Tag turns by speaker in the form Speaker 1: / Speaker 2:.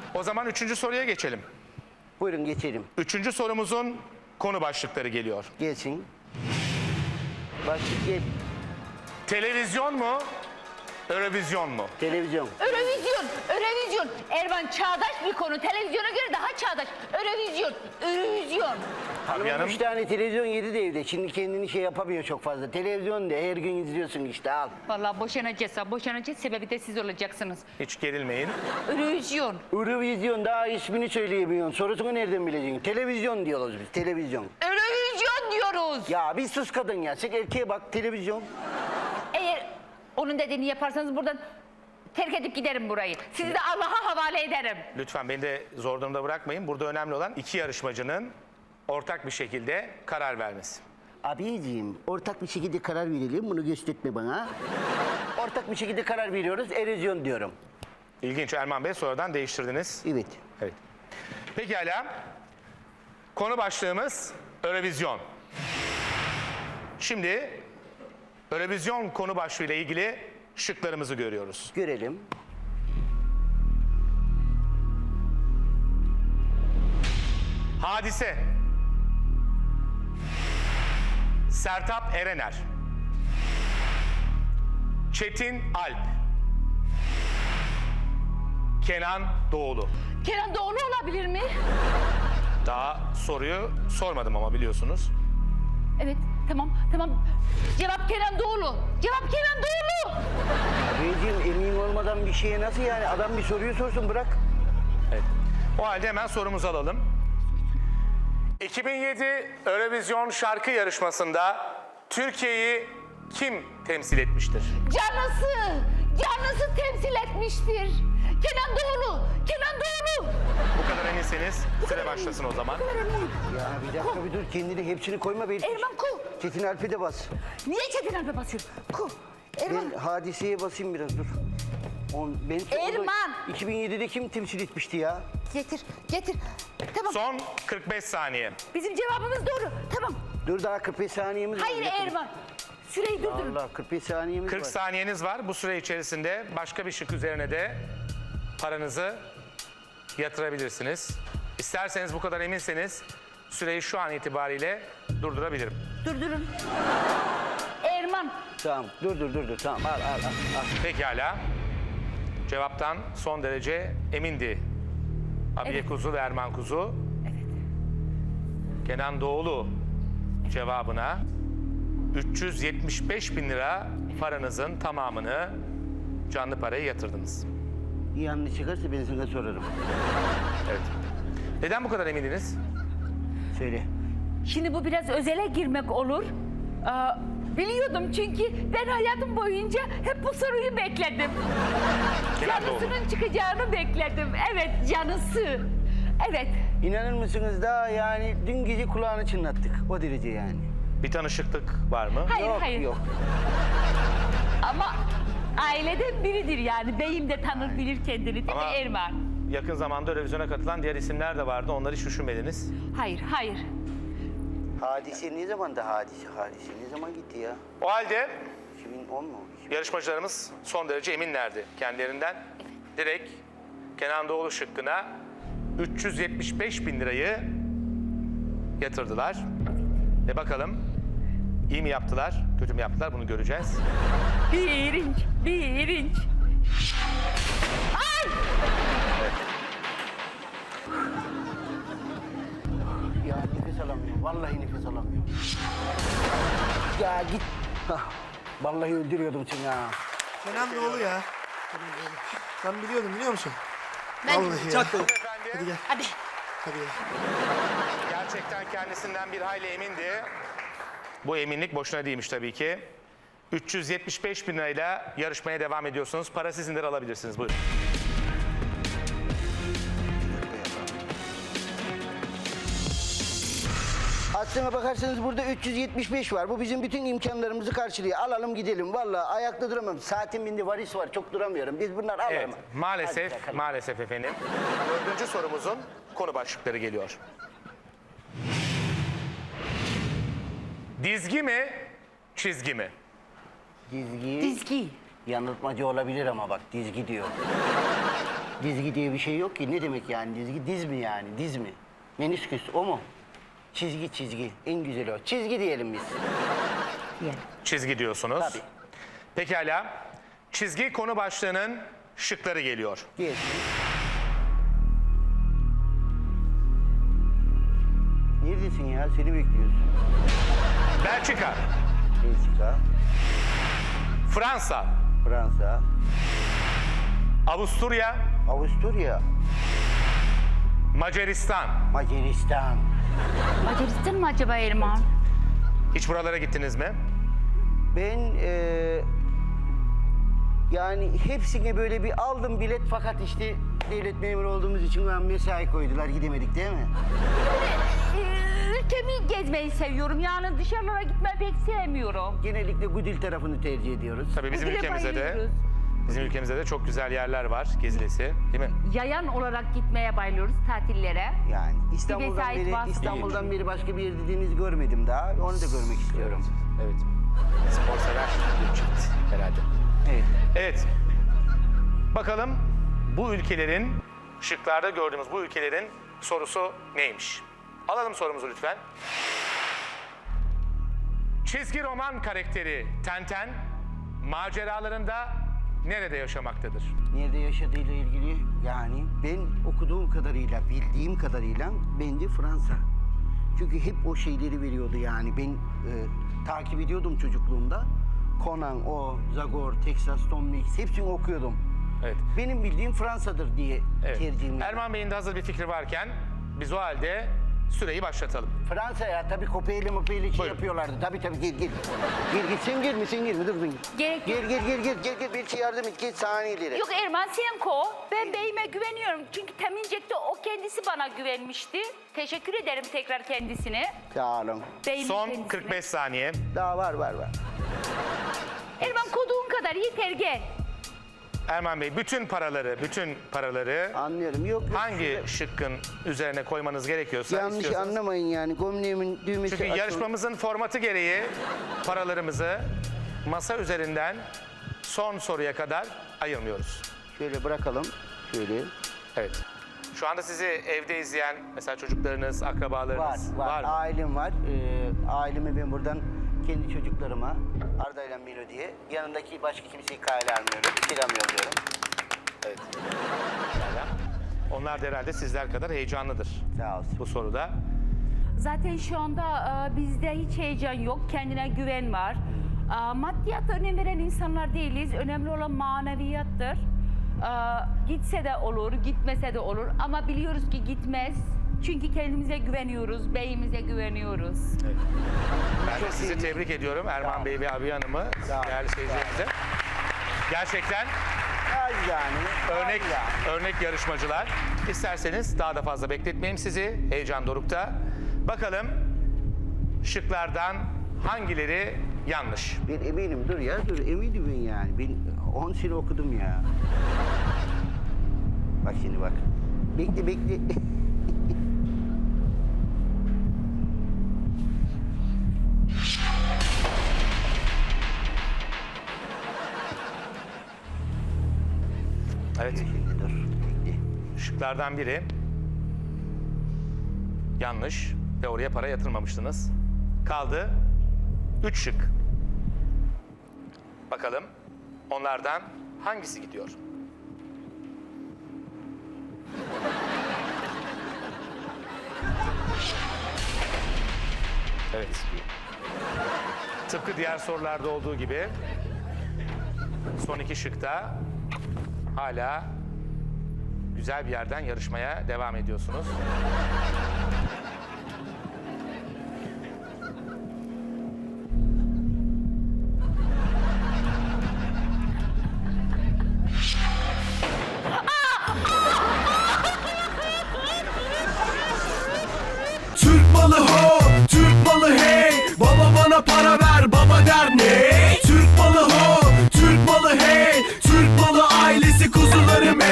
Speaker 1: O zaman 3. soruya geçelim.
Speaker 2: Buyurun geçelim.
Speaker 1: 3. sorumuzun konu başlıkları geliyor.
Speaker 2: Gelsin. Başlık gel.
Speaker 1: Televizyon mu, Eurovision mu?
Speaker 2: Televizyon.
Speaker 3: Eurovizyon, Eurovizyon. Erman çağdaş bir konu. Televizyona göre daha çağdaş. Eurovizyon, Eurovizyon.
Speaker 1: Tabii hanım.
Speaker 2: 3 tane televizyon yedi de evde. Şimdi kendini şey yapamıyor çok fazla. Televizyon de her gün izliyorsun işte al.
Speaker 3: Vallahi boşanacağız. Boşanacağız. Sebebi de siz olacaksınız.
Speaker 1: Hiç gerilmeyin.
Speaker 3: Eurovizyon.
Speaker 2: Eurovizyon daha ismini söyleyemiyorsun. Sorusunu nereden bileceksin? Televizyon diyoruz biz. Televizyon.
Speaker 3: Eurovizyon diyoruz.
Speaker 2: Ya bir sus kadın ya. Sen erkeğe bak televizyon.
Speaker 3: Eğer onun dediğini yaparsanız buradan terk edip giderim burayı. Sizi de Allah'a havale ederim.
Speaker 1: Lütfen beni de zor durumda bırakmayın. Burada önemli olan 2 yarışmacının ortak bir şekilde karar vermesi.
Speaker 2: Abiciğim ortak bir şekilde karar verelim. Bunu gösterme bana. Ortak bir şekilde karar veriyoruz. Erozyon diyorum.
Speaker 1: İlginç Erman Bey, sonradan değiştirdiniz.
Speaker 2: Evet.
Speaker 1: Evet. Pekala. Konu başlığımız Eurovision. Şimdi Eurovision konu başlığıyla ilgili şıklarımızı görüyoruz.
Speaker 2: Görelim.
Speaker 1: Hadise. Sertab Erener. Çetin Alp. Kenan Doğulu.
Speaker 3: Kenan Doğulu olabilir mi?
Speaker 1: Daha soruyu sormadım ama biliyorsunuz.
Speaker 3: Evet, tamam. Cevap Kenan Doğulu. Cevap Kenan Doğulu.
Speaker 2: Abiciğim emin olmadan bir şeye nasıl yani? Adam bir soruyu sorsun bırak.
Speaker 1: Evet. O halde hemen sorumuzu alalım. 2007 Eurovision şarkı yarışmasında Türkiye'yi kim temsil etmiştir?
Speaker 3: Canısı temsil etmiştir. Kenan Doğulu.
Speaker 1: Bu kadar eminseniz süre başlasın o zaman.
Speaker 2: Ya bir dakika bir dur kendini hepsini koyma be.
Speaker 3: Erman ku.
Speaker 2: Çetin Alp'e de bas.
Speaker 3: Niye Çetin Alp'e basıyorum? Ku. Erman.
Speaker 2: Ben hadiseye basayım biraz dur. Ben
Speaker 3: Erman!
Speaker 2: 2007'de kim temsil etmişti ya?
Speaker 3: Getir. Tamam.
Speaker 1: Son 45 saniye.
Speaker 3: Bizim cevabımız doğru. Tamam.
Speaker 2: Dur daha 45 saniyemiz var.
Speaker 3: Hayır Erman. Süreyi durdurun.
Speaker 2: Allah 45 saniyemiz
Speaker 1: 40
Speaker 2: var.
Speaker 1: saniyeniz var. Bu süre içerisinde başka bir şık üzerine de paranızı yatırabilirsiniz. İsterseniz bu kadar eminseniz süreyi şu an itibariyle durdurabilirim.
Speaker 3: Durdurun. Erman.
Speaker 2: Tamam dur tamam al.
Speaker 1: Pekala. Cevaptan son derece emindi. Abiye
Speaker 3: Evet.
Speaker 1: Kuzu ve Erman Kuzu. Kenan Doğulu cevabına 375 bin lira paranızın tamamını canlı paraya yatırdınız.
Speaker 2: Yanlış çıkarsa ben sana sorarım.
Speaker 1: Evet. Neden bu kadar emindiniz?
Speaker 2: Söyle.
Speaker 3: Şimdi bu biraz özele girmek olur. Biliyordum çünkü ben hayatım boyunca hep bu soruyu bekledim.
Speaker 1: Kenan Doğulu.
Speaker 3: Canısının çıkacağını bekledim. Evet, canısı. Evet.
Speaker 2: İnanır mısınız daha yani dün gece kulağını çınlattık. O derece yani.
Speaker 1: Bir tanışıklık var mı?
Speaker 3: Hayır.
Speaker 2: Yok.
Speaker 3: Ama aileden biridir yani. Beyim de tanır bilir kendini değil mi
Speaker 1: Ama-
Speaker 3: Erman?
Speaker 1: Yakın zamanda Eurovision'a katılan diğer isimler de vardı. Onları hiç düşünmediniz.
Speaker 3: Hayır.
Speaker 2: Hadise ne zaman da hadise ne zaman gitti ya?
Speaker 1: O halde
Speaker 2: 2010 mu?
Speaker 1: yarışmacılarımız son derece eminlerdi kendilerinden. Direkt Kenan Doğulu şıkkına 375 bin lirayı yatırdılar. Ve bakalım iyi mi yaptılar, kötü mü yaptılar bunu göreceğiz.
Speaker 3: Bir inç. Ay!
Speaker 2: Ya nefes alamıyorum. Vallahi nefes alamıyorum. Ya git. Hah, vallahi öldürüyordum seni ha.
Speaker 4: Kenan Doğulu ya. Ben biliyordum biliyor musun?
Speaker 3: Ben-
Speaker 4: Vallahi ya. Hadi gel.
Speaker 3: Hadi.
Speaker 4: Hadi gel.
Speaker 1: Gerçekten kendisinden bir hayli emindi. Bu eminlik boşuna değilmiş tabii ki. 375 bin lirayla yarışmaya devam ediyorsunuz. Para sizindir, alabilirsiniz. Buyurun.
Speaker 2: Aslına bakarsanız burada 375 var. Bu bizim bütün imkanlarımızı karşılıyor. Alalım gidelim. Vallahi ayakta duramam. Saatin bindi varis var. Çok duramıyorum. Biz bunlar alalım.
Speaker 1: Evet, maalesef efendim. 4. sorumuzun konu başlıkları geliyor. Dizgi mi, çizgi mi?
Speaker 2: Dizgi.
Speaker 3: Dizgi.
Speaker 2: Yanıltmacı olabilir ama bak dizgi diyor. Dizgi diye bir şey yok ki. Ne demek yani dizgi? Diz mi yani? Diz mi? Menisküs o mu? Çizgi. En güzeli o. Çizgi diyelim biz.
Speaker 1: Çizgi diyorsunuz.
Speaker 2: Tabii.
Speaker 1: Pekala. Çizgi konu başlığının şıkları geliyor.
Speaker 2: Diyelim. Neredesin ya? Seni bekliyoruz.
Speaker 1: Belçika,
Speaker 2: Belçika,
Speaker 1: Fransa,
Speaker 2: Fransa,
Speaker 1: Avusturya,
Speaker 2: Avusturya,
Speaker 1: Macaristan.
Speaker 2: Macaristan.
Speaker 3: Macaristan mı acaba Erman?
Speaker 1: Hiç buralara gittiniz mi?
Speaker 2: Ben yani hepsine böyle bir aldım bilet fakat işte devlet memuru olduğumuz için mesai koydular gidemedik değil mi?
Speaker 3: Ülkemi gezmeyi seviyorum. Yani dışarılara gitmeyi pek sevmiyorum.
Speaker 2: Genellikle Gudil tarafını tercih ediyoruz.
Speaker 1: Tabii bizim
Speaker 3: Bugüne
Speaker 1: ülkemizde de
Speaker 3: bayılıyoruz.
Speaker 1: bizim ülkemizde de çok güzel yerler var gezilesi, değil mi?
Speaker 3: Yayan olarak gitmeye bayılıyoruz tatillere.
Speaker 2: Yani
Speaker 3: vesait
Speaker 2: İstanbul'dan beri başka bir yer dediğiniz görmedim daha. Onu da görmek istiyorum.
Speaker 1: Evet. Spor sever bir çift herhalde.
Speaker 2: Evet.
Speaker 1: Evet. Bakalım bu ülkelerin, şıklarda gördüğümüz bu ülkelerin sorusu neymiş? Alalım sorumuzu lütfen. Çizgi roman karakteri Tenten maceralarında nerede yaşamaktadır?
Speaker 2: Nerede yaşadığıyla ilgili yani ben okuduğum kadarıyla, bildiğim kadarıyla bence Fransa. Çünkü hep o şeyleri veriyordu yani. Ben takip ediyordum çocukluğumda. Conan, Zagor, Texas, Tom Mix hepsini okuyordum.
Speaker 1: Evet.
Speaker 2: Benim bildiğim Fransa'dır diye
Speaker 1: Evet.
Speaker 2: tercihim.
Speaker 1: Erman Bey'in de hazır bir fikri varken biz o halde süreyi başlatalım.
Speaker 2: Fransa ya tabii kopyayla mopyayla şey
Speaker 1: Buyurun.
Speaker 2: yapıyorlardı. Tabii gel. Gel sen girme dur.
Speaker 3: Gerek yok.
Speaker 2: Gel belki yardım et geç saniyeleri.
Speaker 3: Yok Erman sen ko. Ben beyime güveniyorum. Çünkü temincekte o kendisi bana güvenmişti. Teşekkür ederim tekrar kendisine.
Speaker 2: Sağ olun.
Speaker 3: Beyimin
Speaker 1: Son
Speaker 3: kendisine.
Speaker 1: 45 saniye.
Speaker 2: Daha var.
Speaker 3: Erman koduğun kadar yeter gel.
Speaker 1: Erman Bey bütün paraları
Speaker 2: Anlıyorum. Yok.
Speaker 1: hangi şıkkın üzerine koymanız gerekiyorsa
Speaker 2: Yanlış
Speaker 1: istiyorsanız.
Speaker 2: anlamayın yani. Gömleğimin düğmesi
Speaker 1: Çünkü
Speaker 2: açıldı.
Speaker 1: yarışmamızın formatı gereği paralarımızı masa üzerinden son soruya kadar ayırmıyoruz.
Speaker 2: Şöyle bırakalım. Şöyle.
Speaker 1: Evet. Şu anda sizi evde izleyen mesela çocuklarınız, akrabalarınız
Speaker 2: Var.
Speaker 1: mı?
Speaker 2: Ailem var. Aileme ben buradan kendi çocuklarıma Arda ile Melodi'ye yanındaki başka kimseyi kale almıyorum. Selam yolluyorum.
Speaker 1: Evet. Pekala. Onlar da herhalde sizler kadar heyecanlıdır
Speaker 2: Sağ olsun.
Speaker 1: bu soruda.
Speaker 3: Zaten şu anda bizde hiç heyecan yok. Kendine güven var. Maddiyata önem veren insanlar değiliz. Önemli olan maneviyattır. Gitse de olur, gitmese de olur. Ama biliyoruz ki gitmez. Çünkü kendimize güveniyoruz, beyimize güveniyoruz.
Speaker 1: Ben de sizi tebrik ediyorum Erman Bey ve Abiye Hanım'ı,
Speaker 2: Sağ ol.
Speaker 1: değerli seyircilerimize. Gerçekten
Speaker 2: Yani.
Speaker 1: örnek yarışmacılar. İsterseniz daha da fazla bekletmeyeyim sizi. Heyecan dorukta. Bakalım şıklardan hangileri yanlış?
Speaker 2: Ben eminim dur eminim ben yani. Ben 10 sene okudum ya. Bak şimdi bak. Bekle.
Speaker 1: Evet.
Speaker 2: Şimdi dur. Bekle.
Speaker 1: Şıklardan biri yanlış ve oraya para yatırmamıştınız. Kaldı 3 şık. Bakalım onlardan hangisi gidiyor? Evet. Tıpkı diğer sorularda olduğu gibi son 2 şıkta hala güzel bir yerden yarışmaya devam ediyorsunuz.
Speaker 5: Türk malı ho, Türk malı hey. Baba bana para ver.